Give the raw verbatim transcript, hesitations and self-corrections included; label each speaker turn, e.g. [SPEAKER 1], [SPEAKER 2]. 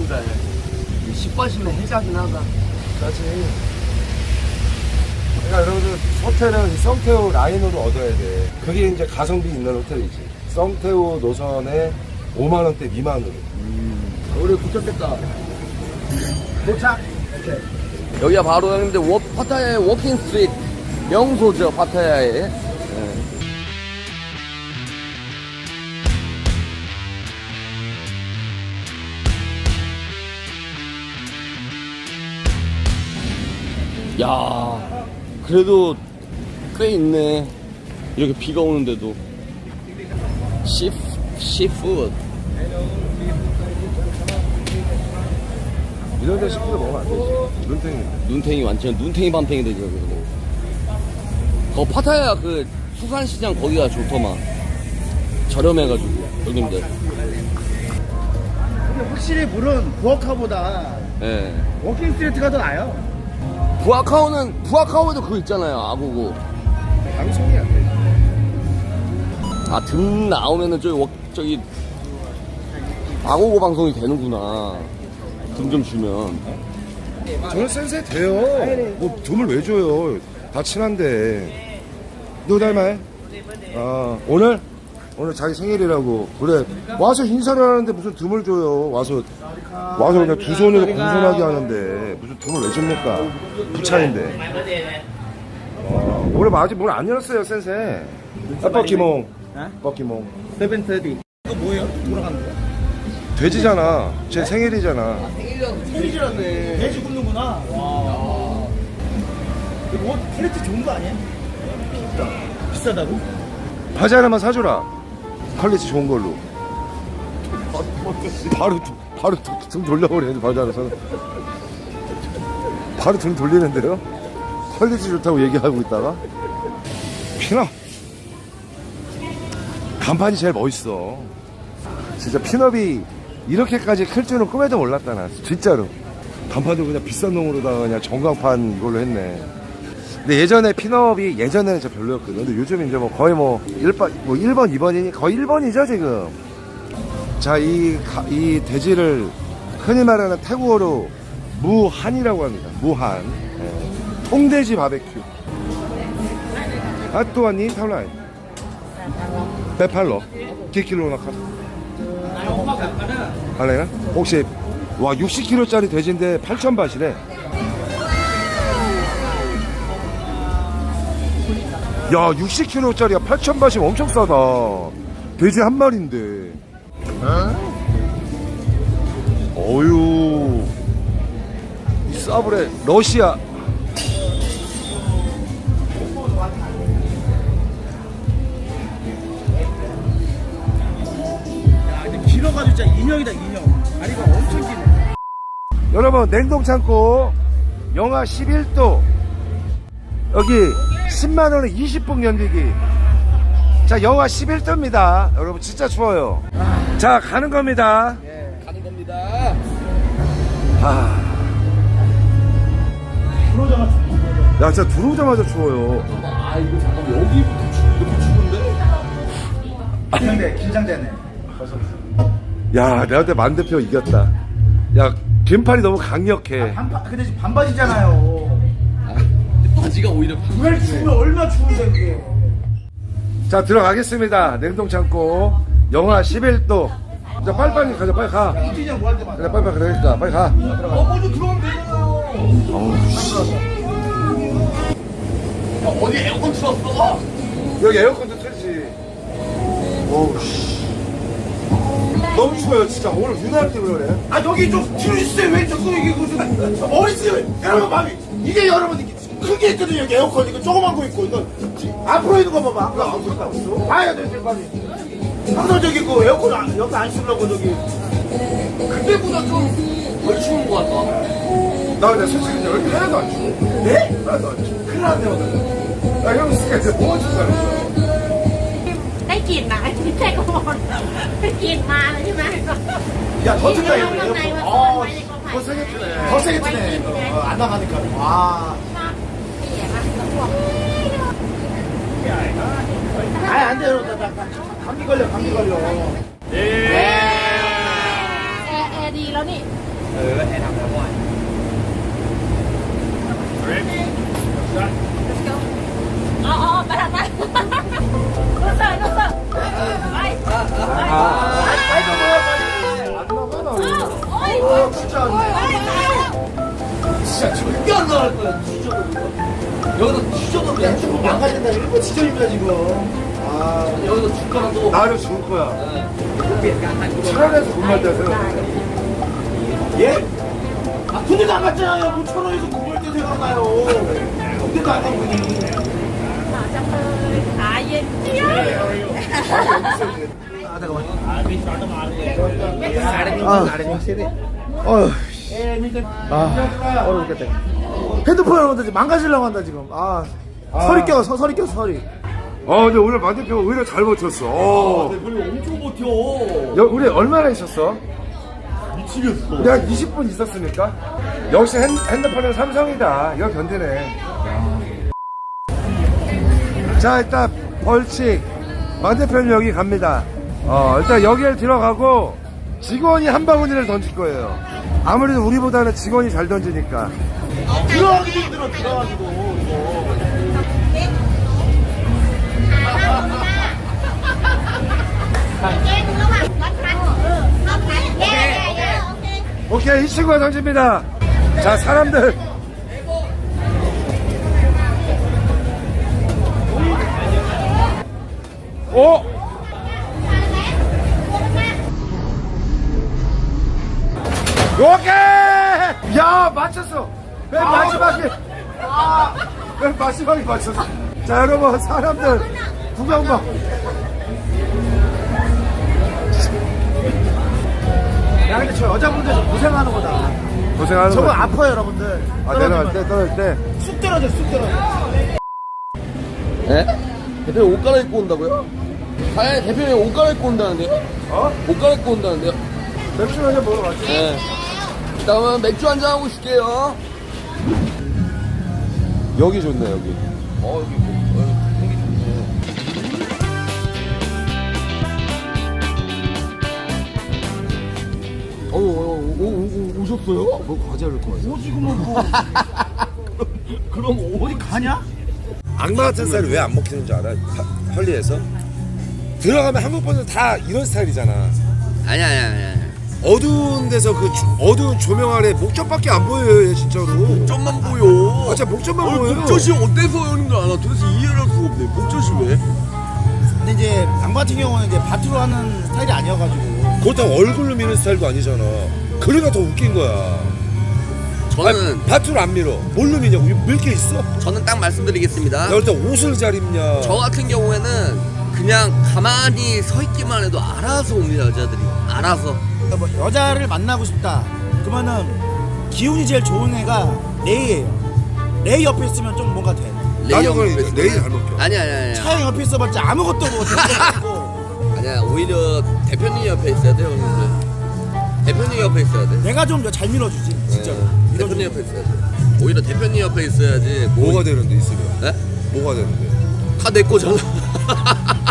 [SPEAKER 1] 그래. 십 번씩은 해자긴 하다.
[SPEAKER 2] 그렇지. 그러니까 여러분들 호텔은 성태우 라인으로 얻어야 돼. 그게 이제 가성비 있는 호텔이지. 성태우 노선에 오만 원대 미만으로.
[SPEAKER 1] 음, 우리 붙였겠다.
[SPEAKER 2] 도착. 오케이.
[SPEAKER 1] 여기가 바로 형님들 워, 파타야의 워킹 스트리트 명소죠. 파타야의. 네. 야, 그래도 꽤 있네. 이렇게 비가 오는데도. 시, 시푸드.
[SPEAKER 2] 이런 데 식구도 먹으면 안 되지. 눈탱이.
[SPEAKER 1] 눈탱이 완전 눈탱이 밤탱이 되죠. 그거. 거 파타야 그 수산시장 거기가 좋더만. 저렴해가지고 여긴데.
[SPEAKER 3] 근데 확실히 물은 부엌카보다
[SPEAKER 1] 예.
[SPEAKER 3] 워킹 스트리트가 더 나아요.
[SPEAKER 1] 부아카오는 부아카오에도 그거 있잖아요. 아고고.
[SPEAKER 2] 방송이 안 되지.
[SPEAKER 1] 아, 등 나오면은 저기 워, 저기 아고고 방송이 되는구나. 등 좀 주면.
[SPEAKER 2] 저는 센세 돼요. 뭐 돈을 왜 줘요? 다 친한데. 누구 닮아? 아, 오늘? 오늘 자기 생일이라고. 그래. 와서 인사를 하는데 무슨 듬을 줘요. 와서, 와서 그냥 두 손으로 공손하게 하는데. 무슨 듬을 왜 줍니까? 부차인데. 어, 오늘 아직 문 안 열었어요, 센세. 아, 뻑기몽. 뻑기몽.
[SPEAKER 3] 세븐트디. 이거 뭐예요? 돌아가는 거야?
[SPEAKER 2] 돼지잖아. 제 생일이잖아.
[SPEAKER 3] 생일이라네. 돼지 굽는구나. 와. 이거 뭐 퀄리티 좋은 거 아니야? 비싸. 비싸다고?
[SPEAKER 2] 바지 하나만 사줘라. 퀄리티 좋은 걸로. 바로, 바로 등 돌려버리는데, 바지 하나 사는. 바로 등 돌리는데요? 퀄리티 좋다고 얘기하고 있다가. 피너. 간판이 제일 멋있어. 진짜 핀업이 이렇게까지 클 줄은 꿈에도 몰랐다, 나. 진짜로. 간판도 그냥 비싼 놈으로다가 그냥 전광판 이걸로 했네. 근데 예전에 핀업이 예전에는 진짜 별로였거든. 근데 요즘 이제 뭐 거의 뭐 일 번, 뭐 일 번, 이 번이니 거의 일 번이죠, 지금. 자, 이, 가, 이 돼지를 흔히 말하는 태국어로 무한이라고 합니다. 무한. 예. 통돼지 바베큐. 아, 또 왔니? 타올라이. 배팔로. 기킬로 나카. 할래나? 혹시, 와, 육십 킬로그램짜리 돼지인데 팔천 바트래. 야, 육십 킬로그램짜리가 팔천 바트면 엄청 싸다. 돼지 한 마리인데. 어휴. 이 싸브레, 러시아.
[SPEAKER 3] 길어가지고 진짜 인형이다, 인형. 다리가 엄청 기네.
[SPEAKER 2] 여러분, 냉동창고 영하 십일 도 여기 십만 원에 이십 분 견디기. 자, 영하 십일 도입니다 여러분. 진짜 추워요. 자, 가는 겁니다.
[SPEAKER 1] 가는 겁니다.
[SPEAKER 2] 아.
[SPEAKER 3] 들어오자마자
[SPEAKER 2] 야, 진짜 들어오자마자 추워요.
[SPEAKER 1] 아, 이거 잠깐만 여기부터 추, 이렇게 추운데?
[SPEAKER 3] 긴장돼, 긴장되네.
[SPEAKER 2] 야, 내가 그때 만 대표 이겼다. 야, 긴팔이 너무 강력해.
[SPEAKER 3] 반바, 근데 지금 반바지잖아요.
[SPEAKER 1] 아, 바지가 오히려
[SPEAKER 3] 그걸 추우면 얼마나 추운데, 그게.
[SPEAKER 2] 자, 들어가겠습니다. 냉동창고 영하 십일 도. 자, 빨리빨리 가자. 빨리 가.
[SPEAKER 3] 그냥 뭐할 때마다.
[SPEAKER 2] 그래, 빨리빨리 그러니까 빨리 가.
[SPEAKER 3] 어, 먼저 들어오면 되잖아요.
[SPEAKER 2] 어우, 씨.
[SPEAKER 1] 야, 어디 에어컨 틀었어?
[SPEAKER 2] 여기 에어컨도 틀지. 어우, 씨. 너무 추워요, 진짜. 오늘 유난히 때문에 그래.
[SPEAKER 3] 아, 여기 좀 틀어주세요. 왜 자꾸 이게 무슨. 어리지, 여러분, 마음이. 이게 여러분, 이게 크게 했거든요. 여기 에어컨. 이거 조그만 거 있고. 이거 앞으로 있는 거 봐봐. 그거 안 보니까 없어. 봐야 돼, 지금 빨리. 항상 저기 그 에어컨 안, 여기 안 쓰려고 저기.
[SPEAKER 1] 그때보다 좀 덜 추운 것 같다.
[SPEAKER 2] 나 근데 솔직히 여기 하나도 안 추워.
[SPEAKER 3] 네?
[SPEAKER 2] 하나도 안 추워.
[SPEAKER 3] 큰일 났네, 오늘.
[SPEAKER 2] 나 형 스케줄 뭐가 춥지 않았어.
[SPEAKER 4] ได้กลิ่นนะไม่ใช่กระบอกได้กลิ่นมาเลยใช่ไหม
[SPEAKER 3] 야, 더 틀려,
[SPEAKER 4] ข้างใน
[SPEAKER 3] 에어컨.
[SPEAKER 4] ว่าต้น
[SPEAKER 3] 어,
[SPEAKER 4] ไม้ในกอไผ่
[SPEAKER 3] 더 세게 트네. 더 세게 트네. 어, 안 나가니까. 와.
[SPEAKER 4] เสียนะแล้วพวก
[SPEAKER 3] 아니, 안 돼요. 나, 나, 나, 감기 걸려, 감기 걸려.
[SPEAKER 4] แอร์แอร์ดีแล้วนี่ Ờ ờ bắt đầu bắt. Nó sợ nó sợ. Ai.
[SPEAKER 3] 아이 너무
[SPEAKER 4] Ôi.
[SPEAKER 3] 어 진짜 안 돼.
[SPEAKER 4] Ôi.
[SPEAKER 1] 진짜 절대 안 나갈 거야. 뒤져도. 여기서 뒤져도
[SPEAKER 3] 야 조금 망가진다 일본 지점입니다 지금 아
[SPEAKER 1] 여기서 죽거나 또.
[SPEAKER 2] 나를 죽을 거야. 차라리에서 군말 때세요.
[SPEAKER 3] 예? 아 군대도 안 갔잖아요 뭐 천호에서 군대 때 생각나요 군대도 안 간 분이
[SPEAKER 4] Mở trong hơi. À gì.
[SPEAKER 3] 어휴 아 어려웠겠다 핸드폰 여러분들 망가지려고 한다 지금 아 서리 껴 서, 서리 껴 서리
[SPEAKER 2] 어, 근데 오늘 만 대표가 오히려 잘 버텼어. 어.
[SPEAKER 1] 별로 엄청 버텨.
[SPEAKER 2] 여, 우리 얼마나 있었어?
[SPEAKER 1] 미치겠어.
[SPEAKER 2] 내가 이십 분 있었으니까. 역시 핸, 핸드폰은 삼성이다. 이거 견디네. 자, 일단 벌칙. 만 대표는 여기 갑니다. 어, 일단 여기를 들어가고 직원이 한 바구니를 던질 거예요. 아무래도 우리보다는 직원이 잘 던지니까.
[SPEAKER 3] 들어가기도 힘들어 들어가기도 이거
[SPEAKER 2] 오케이, 이 친구가 던집니다. 자, 사람들. 오! 오케이! 야, 맞췄어! 맨 마지막에. 아, 맨 마지막에 맞췄어. 자, 여러분, 사람들. 구경 봐.
[SPEAKER 3] 야 근데 저 여자분들 좀 고생하는 거다
[SPEAKER 2] 고생하는
[SPEAKER 3] 저거
[SPEAKER 2] 거야.
[SPEAKER 3] 아파요 여러분들
[SPEAKER 2] 아, 내려갈 때, 떨어질 때.
[SPEAKER 3] 쑥 떨어져 쑥 떨어져
[SPEAKER 1] 네? 대표님 옷 갈아입고 온다고요? 아니 대표님 옷 갈아입고 온다는데요?
[SPEAKER 2] 어?
[SPEAKER 1] 옷 갈아입고 온다는데요?
[SPEAKER 2] 맥주 한잔 먹으러 갔지?
[SPEAKER 1] 네. 그러면 맥주 한잔 하고 있을게요.
[SPEAKER 2] 여기 좋네, 여기.
[SPEAKER 1] 어 여기 뭐, 어, 공기 좋네. 어, 어, 어, 오, 오, 오셨어요?
[SPEAKER 2] 뭐 과자를 거 같아.
[SPEAKER 3] 뭐 지금은 뭐 그럼 어디 가냐?
[SPEAKER 2] 악마 같은 스타일이 왜 안 먹히는 줄 알아? 하- 헐리에서? 들어가면 한국 분들 다 이런 스타일이잖아.
[SPEAKER 1] 아니 아니 아니 아니.
[SPEAKER 2] 어두운 데서 그 주- 어두운 조명 아래 목젖밖에 안 보여요, 얘 진짜로.
[SPEAKER 1] 목젖만 보여.
[SPEAKER 2] 아, 진짜 목젖만
[SPEAKER 1] 어,
[SPEAKER 2] 보여요.
[SPEAKER 1] 목젖이 어때서 하는 줄 알아? 도대체 이해를 할 수가 없네. 목젖이 왜?
[SPEAKER 3] 근데 이제 양 같은 경우는 이제 밭으로 하는 스타일이 아니어가지고
[SPEAKER 2] 그렇다고 얼굴로 미는 스타일도 아니잖아. 그러니까 더 웃긴 거야.
[SPEAKER 5] 저는
[SPEAKER 2] 밭으로 안 밀어. 뭘로 미냐고. 밀 게 있어?
[SPEAKER 5] 저는 딱 말씀드리겠습니다.
[SPEAKER 2] 야, 일단 옷을 잘 입냐.
[SPEAKER 5] 저 같은 경우에는 그냥 가만히 서 있기만 해도 알아서 옵니다, 여자들이. 알아서.
[SPEAKER 3] 뭐 여자를 만나고 싶다 그러면은 기운이 제일 좋은 애가 레이예요. 레이 옆에 있으면 좀 뭔가 돼.
[SPEAKER 2] 나는
[SPEAKER 5] 레이
[SPEAKER 2] 그걸
[SPEAKER 5] 옆에
[SPEAKER 2] 레이
[SPEAKER 5] 있으면.
[SPEAKER 2] 잘 먹혀.
[SPEAKER 5] 아니 아니 아니.
[SPEAKER 3] 차영 옆에 있어봤자 아무것도 뭐 되고
[SPEAKER 5] 아니야, 오히려 대표님 옆에 있어야 돼요, 형님들. 대표님 옆에 있어야 돼.
[SPEAKER 3] 내가 좀 잘 밀어주지 진짜로.
[SPEAKER 5] 네, 대표님 옆에 있어야 돼. 오히려 대표님 옆에 있어야지. 뭐,
[SPEAKER 2] 뭐가 되는데 있으면?
[SPEAKER 5] 네?
[SPEAKER 2] 뭐가 되는데?
[SPEAKER 5] 다 내 거잖아.